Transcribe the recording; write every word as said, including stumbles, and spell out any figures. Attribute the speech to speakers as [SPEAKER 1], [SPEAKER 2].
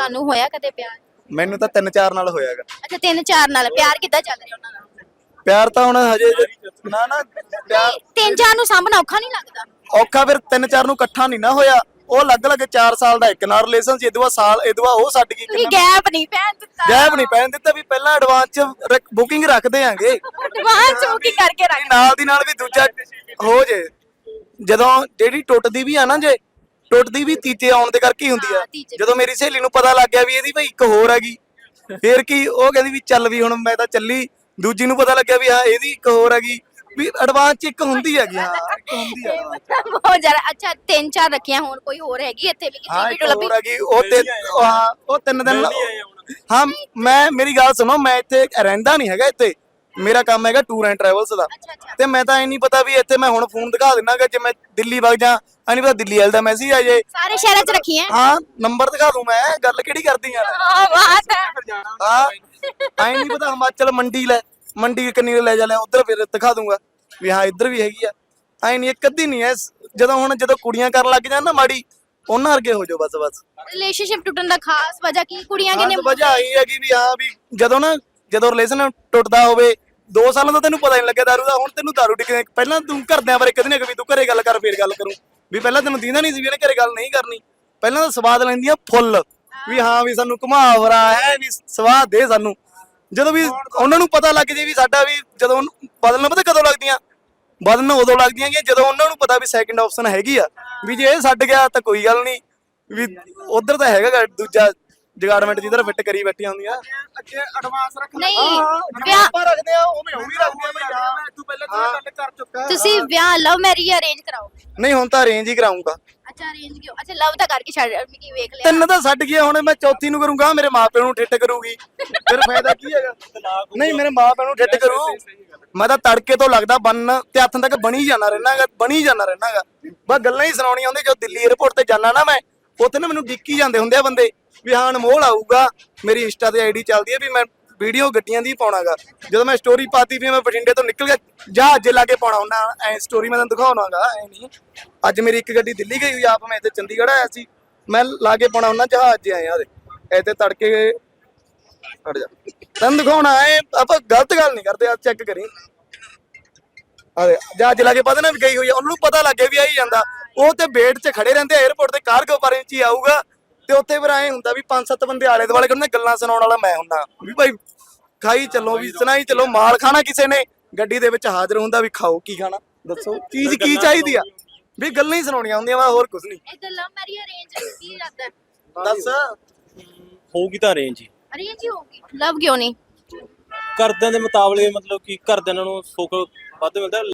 [SPEAKER 1] ਤੁਹਾਨੂੰ ਹੋਇਆ ਕਦੇ ਪਿਆਰ?
[SPEAKER 2] ਮੈਨੂੰ ਤਾਂ ਤਿੰਨ ਚਾਰ ਨਾਲ ਹੋਇਆਗਾ।
[SPEAKER 1] ਅੱਛਾ ਤਿੰਨ ਚਾਰ ਨਾਲ ਪਿਆਰ ਕਿੱਦਾਂ ਚੱਲ ਰਿਹਾ ਉਹਨਾਂ ਨਾਲ?
[SPEAKER 2] ਪਿਆਰ ਤਾਂ ਹੁਣ ਹਜੇ ਨਾ ਨਾ ਪਿਆਰ
[SPEAKER 1] ਤਿੰਨ ਚਾਰ ਨੂੰ ਸਾਂਭਣਾ ਔਖਾ ਨਹੀਂ ਲੱਗਦਾ?
[SPEAKER 2] ਔਖਾ ਫਿਰ ਤਿੰਨ ਚਾਰ ਨੂੰ ਇਕੱਠਾ ਨਹੀਂ ਨਾ ਹੋਇਆ। ਉਹ ਅਲੱਗ-ਅਲੱਗ ਚਾਰ ਸਾਲ ਦਾ ਇੱਕ ਨਾਲ ਰਿਲੇਸ਼ਨ ਸੀ, ਇਦਵਾ ਸਾਲ ਇਦਵਾ ਉਹ ਛੱਡ ਗਈ।
[SPEAKER 1] ਤੁਸੀਂ ਗੈਪ ਨਹੀਂ ਪੈਣ ਦਿੱਤਾ?
[SPEAKER 2] ਗੈਪ ਨਹੀਂ ਪੈਣ ਦਿੱਤਾ ਵੀ ਪਹਿਲਾਂ ਐਡਵਾਂਸ ਚ ਬੁਕਿੰਗ ਰੱਖਦੇ ਆਂਗੇ,
[SPEAKER 1] ਐਡਵਾਂਸ ਬੁਕਿੰਗ ਕਰਕੇ ਰੱਖ
[SPEAKER 2] ਨਾਲ ਦੀ ਨਾਲ ਵੀ ਦੂਜਾ ਹੋ ਜੇ। ਜਦੋਂ ਜਿਹੜੀ ਟੁੱਟਦੀ ਵੀ ਆ ਨਾ, ਜੇ ਟੁੱਟਦੀ ਵੀ ਤੀਜੇ ਆਉਣ ਦੇ ਕਰਕੇ ਹੀ ਹੁੰਦੀ ਆ। ਜਦੋਂ ਮੇਰੀ ਸਹੇਲੀ ਨੂੰ ਪਤਾ ਲੱਗ ਗਿਆ ਵੀ ਇਹਦੀ ਭਾਈ ਇੱਕ ਹੋਰ ਹੈਗੀ, ਫੇਰ ਕੀ ਉਹ ਕਹਿੰਦੀ ਵੀ ਚੱਲ ਵੀ ਹੁਣ ਮੈਂ ਤਾਂ ਚੱਲੀ। ਦੂਜੀ ਨੂੰ ਪਤਾ ਲੱਗਿਆ ਵੀ ਹਾਂ ਇਹਦੀ ਇੱਕ ਹੋਰ ਹੈਗੀ, ਵੀ ਐਡਵਾਂਸ ਚ ਇੱਕ ਹੁੰਦੀ ਹੈਗੀ। ਹਾਂ ਇੱਕ ਹੁੰਦੀ ਆ
[SPEAKER 1] ਬਹੁਤ ਜ਼ਿਆਦਾ। ਅੱਛਾ ਤਿੰਨ ਚਾਰ ਰੱਖੀਆਂ, ਹੁਣ ਕੋਈ ਹੋਰ ਹੈਗੀ ਇੱਥੇ ਵੀ
[SPEAKER 2] ਹਾਂ
[SPEAKER 1] ਕਿਸੇ
[SPEAKER 2] ਇੱਕ
[SPEAKER 1] ਵੀਡੀਓ ਲੱਭੀ?
[SPEAKER 2] ਹੋਰ ਹੈਗੀ ਉਹ ਤੇ ਹਾਂ ਉਹ ਤਿੰਨ ਦਿਨ ਹਾਂ ਮੈਂ ਮੇਰੀ ਗੱਲ ਸੁਣੋ, ਮੈਂ ਇੱਥੇ ਰਹਿੰਦਾ ਨਹੀਂ ਹੈਗਾ। ਇੱਥੇ ਮੇਰਾ ਕੰਮ ਹੈਗਾ ਟੂਰ ਐਂਡ ਟਰੈਵਲਸ ਦਾ, ਤੇ ਮੈਂ ਤਾਂ ਇਹ ਨਹੀਂ ਪਤਾ ਵੀ ਇੱਥੇ ਮੈਂ ਹੁਣ ਫੋਨ ਦਿਖਾ ਦਿੰਨਾਗਾ। ਜੇ ਮੈਂ ਦਿੱਲੀ ਵਗ ਜਾ ਐ ਨਹੀਂ ਪਤਾ ਦਿੱਲੀ ਵਾਲੇ ਦਾ ਮੈਸੇਜ ਆ ਜੇ।
[SPEAKER 1] ਸਾਰੇ ਸ਼ਹਿਰਾਂ 'ਚ ਰੱਖੀਆਂ?
[SPEAKER 2] ਹਾਂ ਨੰਬਰ ਦਿਖਾ ਦੂੰ ਮੈਂ, ਗੱਲ ਕਿਹੜੀ ਕਰਦੀ ਆ।
[SPEAKER 1] ਹਾਂ ਬਾਤ ਹੈ।
[SPEAKER 2] ਹਾਂ ਐ ਨਹੀਂ ਪਤਾ ਹਿਮਾਚਲ ਮੰਡੀ ਲੈ ਮੰਡੀ ਕਿੰਨੀ ਲੈ ਜਾ ਲਿਆ ਉਧਰ, ਫਿਰ ਦਿਖਾ ਦੂੰਗਾ ਵੀ ਹਾਂ ਇੱਧਰ ਵੀ ਹੈਗੀ ਆ। ਐ ਨਹੀਂ ਇੱਕ ਅੱਧੀ ਨਹੀਂ ਐ। ਜਦੋਂ ਹੁਣ ਜਦੋਂ ਕੁੜੀਆਂ ਕਰਨ ਲੱਗ ਜਾਣ ਨਾ ਮਾੜੀ, ਉਹਨਾਂ ਵਰਗੇ ਹੋ ਜਾਓ ਬਸ ਬਸ।
[SPEAKER 1] ਰਿਲੇਸ਼ਨਸ਼ਿਪ ਟੁੱਟਣ ਦਾ ਖਾਸ ਵਜ੍ਹਾ ਕੀ? ਕੁੜੀਆਂ ਕਿੰਨੇ
[SPEAKER 2] ਵਜ੍ਹਾ ਇਹ ਹੈਗੀ ਵੀ ਹਾਂ ਵੀ ਜਦੋਂ ਨਾ ਜਦੋਂ ਰਿਲੇਸ਼ਨ ਟੁੱਟਦਾ ਹੋਵੇ ਦੋ ਸਾਲਾਂ ਤੋਂ ਤੈਨੂੰ ਪਤਾ ਨਹੀਂ ਲੱਗਿਆ ਦਾਰੂ ਦਾ। ਹੁਣ ਤੈਨੂੰ ਦਾਰੂ ਟਿਕਣੇ ਪਹਿਲਾਂ ਤੂੰ ਘਰਦਿਆਂ ਬਾਰੇ ਕਦੇ ਨਾ ਕਦੇ ਤੂੰ ਘਰੇ ਗੱਲ ਕਰ ਫੇਰ ਗੱਲ ਕਰੂੰ, ਵੀ ਪਹਿਲਾਂ ਤੈਨੂੰ ਦੀਂਦਾ ਨਹੀਂ ਸੀ ਵੀ ਇਹਨੇ ਘਰੇ ਗੱਲ ਨਹੀਂ ਕਰਨੀ। ਪਹਿਲਾਂ ਤਾਂ ਸਵਾਦ ਲੈਂਦੀਆਂ ਫੁੱਲ ਵੀ ਹਾਂ ਵੀ ਸਾਨੂੰ ਘੁਮਾ ਫਰਾ ਹੈ ਵੀ ਸਵਾਦ ਦੇ ਸਾਨੂੰ। ਜਦੋਂ ਵੀ ਉਹਨਾਂ ਨੂੰ ਪਤਾ ਲੱਗ ਜੇ ਵੀ ਸਾਡਾ ਵੀ ਜਦੋਂ ਬਦਲਣਾ ਪਤਾ ਕਦੋਂ ਲੱਗਦੀਆਂ, ਬਦਲਣ ਉਦੋਂ ਲੱਗਦੀਆਂ ਕਿ ਜਦੋਂ ਉਹਨਾਂ ਨੂੰ ਪਤਾ ਵੀ ਸੈਕਿੰਡ ਆਪਸ਼ਨ ਹੈਗੀ ਆ, ਵੀ ਜੇ ਇਹ ਛੱਡ ਗਿਆ ਤਾਂ ਕੋਈ ਗੱਲ ਨਹੀਂ, ਵੀ ਉਧਰ ਤਾਂ ਹੈਗਾ ਦੂਜਾ ਜਗਾਰਡਮੈਂਟ ਜਿੱਧਰ ਫਿੱਟ ਕਰੀ ਬੈਠੀਆਂ ਹੁੰਦੀਆਂ। ਅੱਗੇ ਐਡਵਾਂਸ ਰੱਖ
[SPEAKER 1] ਨਹੀਂ ਵਿਆਹ
[SPEAKER 2] ਆਪਾਂ ਰੱਖਦੇ ਆ ਉਵੇਂ ਉਹ ਵੀ ਰੱਖਦੇ ਆ ਬਈ ਹਾਂ ਤੂੰ ਪਹਿਲਾਂ ਗੱਲ ਕਰ ਚੁੱਕਾ।
[SPEAKER 1] ਤੁਸੀਂ ਵਿਆਹ ਲਵ ਮੈਰਿਜ ਅਰੇਂਜ ਕਰਾਓਗੇ?
[SPEAKER 2] ਨਹੀਂ ਹੁਣ ਤਾਂ ਅਰੇਂਜ ਹੀ ਕਰਾਉਂਗਾ।
[SPEAKER 1] ਅੱਛਾ ਅਰੇਂਜ ਕਿਉਂ? ਅੱਛਾ ਲਵ ਤਾਂ ਕਰਕੇ ਛੱਡ ਕੀ ਵੇਖ ਲਿਆ?
[SPEAKER 2] ਤਿੰਨ ਤਾਂ ਛੱਡ ਗਿਆ, ਹੁਣ ਮੈਂ ਚੌਥੀ ਨੂੰ ਕਰੂੰਗਾ। ਮੇਰੇ ਮਾਪਿਆਂ ਨੂੰ ਠਿੱਟ ਕਰੂਗੀ, ਫਿਰ ਫਾਇਦਾ ਕੀ ਹੈਗਾ? ਨਹੀਂ ਮੇਰੇ ਮਾਪਿਆਂ ਨੂੰ ਠਿੱਟ ਕਰੂ। ਮੈਂ ਤਾਂ ਤੜਕੇ ਤੋਂ ਲੱਗਦਾ ਬੰਨ ਤੇ ਹੱਥਾਂ ਤੱਕ ਬਣੀ ਜਾਣਾ ਰਹਿਣਾਗਾ, ਬਣੀ ਜਾਣਾ ਰਹਿਣਾਗਾ। ਬਸ ਗੱਲਾਂ ਹੀ ਸੁਣਾਉਣੀਆਂ ਹੁੰਦੀਆਂ। ਜਦੋਂ ਦਿੱਲੀ 에ਅਰਪੋਰਟ ਤੇ ਜਾਣਾ ਨਾ ਮੈਂ, ਉੱਥੇ ਨਾ ਮੈਨੂੰ ਡਿੱਕੀ ਜਾਂਦੇ ਹੁੰਦੇ ਆ ਬੰਦੇ ਵੀ ਹਾਂ ਅਨਮੋਲ ਆਊਗਾ। ਮੇਰੀ ਇੰਸਟਾ ਤੇ ਆਈਡੀ ਚੱਲਦੀ ਹੈ ਵੀ ਮੈਂ ਵੀਡੀਓ ਗੱਡੀਆਂ ਦੀ ਪਾਉਣਾਗਾ। ਜਦੋਂ ਮੈਂ ਸਟੋਰੀ ਪਾਤੀ ਵੀ ਮੈਂ ਬਠਿੰਡੇ ਤੋਂ ਨਿਕਲ ਗਿਆ ਜਹਾਜ਼ ਲਾ ਕੇ ਪਾਉਣਾ ਹੁੰਦਾ ਐ ਸਟੋਰੀ, ਮੈਂ ਤੁਹਾਨੂੰ ਦਿਖਾਉਣਾਗਾ। ਐ ਨਹੀਂ ਅੱਜ ਮੇਰੀ ਇੱਕ ਗੱਡੀ ਦਿੱਲੀ ਗਈ ਹੋਈ ਆਪ, ਮੈਂ ਇੱਥੇ ਚੰਡੀਗੜ੍ਹ ਆਇਆ ਸੀ, ਮੈਂ ਲਾ ਕੇ ਪਾਉਣਾ ਹੁੰਦਾ ਜਹਾਜ਼ 'ਚ ਆਏ ਆ ਇੱਥੇ ਤੜਕੇ। ਹਟ ਜਾ ਤੈਨੂੰ ਦਿਖਾਉਣਾ ਐ, ਆਪਾਂ ਗਲਤ ਗੱਲ ਨਹੀਂ ਕਰਦੇ। ਆ ਚੈੱਕ ਕਰੀ ਅਰੇ ਜਹਾਜ਼ ਲਾ ਕੇ ਪਤਾ ਨਾ ਵੀ ਗਈ ਹੋਈ ਆ, ਉਹਨੂੰ ਪਤਾ ਲੱਗ ਗਿਆ ਵੀ ਆਈ ਜਾਂਦਾ। ਉਹ ਤੇ ਵੇਟ 'ਚ ਖੜੇ ਰਹਿੰਦੇ 에ਅਰਪੋਰਟ ਤੇ, ਕਾਰਗੋ ਪਰ ਇੰਚ ਹੀ ਆਊਗਾ ਤੇ ਉੱਥੇ ਫਿਰ ਐ ਹੁੰਦਾ ਵੀ ਪੰਜ ਸੱਤ ਬੰਦੇ ਆਲੇ ਦੁਆਲੇ ਕਹਿੰਦੇ ਗੱਲਾਂ ਸੁਣਾਉਣ ਵਾਲਾ ਮੈਂ ਹੁੰਦਾ ਵੀ ਭਾਈ ਖਾਈ ਚੱਲੋ ਵੀ ਸੁਣਾਈ ਚੱਲੋ। ਮਾਲ ਖਾਣਾ ਕਿਸੇ ਨੇ ਗੱਡੀ ਦੇ ਵਿੱਚ ਹਾਜ਼ਰ ਹੁੰਦਾ ਵੀ ਖਾਓ ਕੀ ਖਾਣਾ ਦੱਸੋ, ਚੀਜ਼ ਕੀ ਚਾਹੀਦੀ ਆ, ਵੀ ਗੱਲਾਂ ਹੀ ਸੁਣਾਉਣੀਆਂ ਹੁੰਦੀਆਂ ਵਾ, ਹੋਰ ਕੁਝ ਨਹੀਂ।
[SPEAKER 1] ਇਹ ਲਵ ਮੈਰਿਜ ਅਰੇਂਜ ਕੀ ਇਰਾਦਾ?
[SPEAKER 2] ਦੱਸ
[SPEAKER 3] ਹੋਊਗੀ ਤਾਂ ਅਰੇਂਜ ਹੀ।
[SPEAKER 1] ਅਰੇਂਜ ਹੀ ਹੋਊਗੀ? ਲਵ ਕਿਉਂ ਨਹੀਂ?
[SPEAKER 3] ਘਰਦਿਆਂ ਦੇ ਮੁਤਾਬਲੇ, ਮਤਲਬ ਕਿ ਘਰਦਿਆਂ ਨੂੰ ਸੁੱਖ ਵੱਧ ਮਿਲਦਾ।